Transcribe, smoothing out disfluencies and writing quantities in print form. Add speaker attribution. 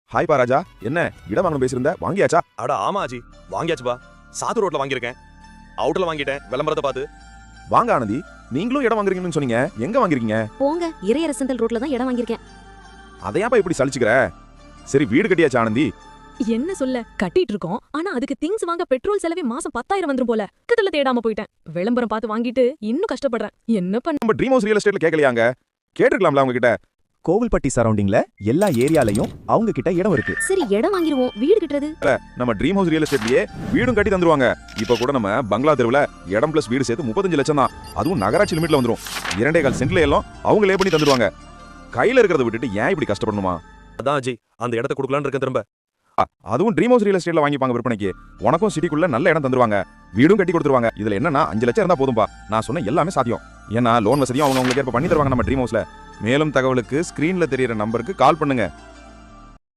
Speaker 1: Hi பா ராஜா, என்ன இடம் வாங்கணும் பேசியிருந்த, வாங்கியாச்சா?
Speaker 2: அட ஆமா ஆஜி, வாங்கியாச்சுப்பா. சாத்து ரோட்ல வாங்கியிருக்கேன். அவுட்ல வாங்கிட்டேன், விளம்பரத்தை பார்த்து.
Speaker 1: வாங்க ஆனந்தி, நீங்களும் இடம் வாங்குறீங்கன்னு சொன்னீங்க, எங்க வாங்கிருக்கீங்க?
Speaker 3: போங்க, இறையரசந்தல் ரோட்ல தான் இடம் வாங்கியிருக்கேன்.
Speaker 1: அதையாப்பா இப்படி சலிச்சுக்கிற? சரி, வீடு கட்டியாச்சா ஆனந்தி?
Speaker 4: என்ன சொல்ல, கட்டிட்டு இருக்கோம். ஆனா அதுக்கு திங்ஸ் வாங்க பெட்ரோல் செலவே மாசம் 10,000 வந்துரும் போல. கிட்டல தேடாம போயிட்டேன். விளம்பரம் பார்த்து வாங்கிட்டு இன்னும் கஷ்டப்படுறேன். என்ன பண்ண?
Speaker 1: நம்ம ட்ரீம் ஹவுஸ் ரியல் எஸ்டேட்ல கேட்கலையாங்க? கேட்டிருக்கலாம்ல அவங்க கிட்ட.
Speaker 5: கோவில்பட்டி சரௌண்டிங்ல எல்லா ஏரியாலையும் அவங்க கிட்ட இடம் இருக்கு.
Speaker 3: சரி, இடம் வாங்கிருவோம். வீடு கட்டுறது
Speaker 1: நம்ம ட்ரீம் ஹவுஸ் ரியல் எஸ்டேட்லயே வீடும் கட்டி தந்துருவாங்க. இப்ப கூட நம்ம பங்களா தெருவுல இடம் பிளஸ் வீடு சேர்த்து 35 லட்சம் தான். அதுவும் நகராட்சி லிமிட்ல வந்துரும். 2.25 சென்ட்ல எல்லாம் அவங்களே பண்ணி தந்துருவாங்க. கையில இருக்கிறத விட்டுட்டு ஏன் இப்படி கஷ்டப்படணுமா?
Speaker 2: அதான் ஆஜி, அந்த இடத்த கொடுக்கலான்னு இருக்கேன் திரும்ப.
Speaker 1: அதுவும் ட்ரீம் ஹவுஸ் ரியல் எஸ்டேட்ல வாங்கிப்பாங்க விற்பனைக்கு. உனக்கும் சிட்டிக்குள்ள நல்ல இடம் தந்துருவாங்க, வீடும் கட்டி கொடுத்துருவாங்க. இதுல என்னன்னா 5 லட்சம் இருந்தா போதும்பா. நான் சொன்ன எல்லாமே சாத்தியம். ஏன்னா லோன் வசதியும் அவங்க உங்களுக்கு ஏற்ப பண்ணி தருவாங்க நம்ம ட்ரீம் ஹவுஸ்ல. மேலும் தகவலுக்கு ஸ்கிரீன்ல தெரியுற நம்பருக்கு கால் பண்ணுங்க.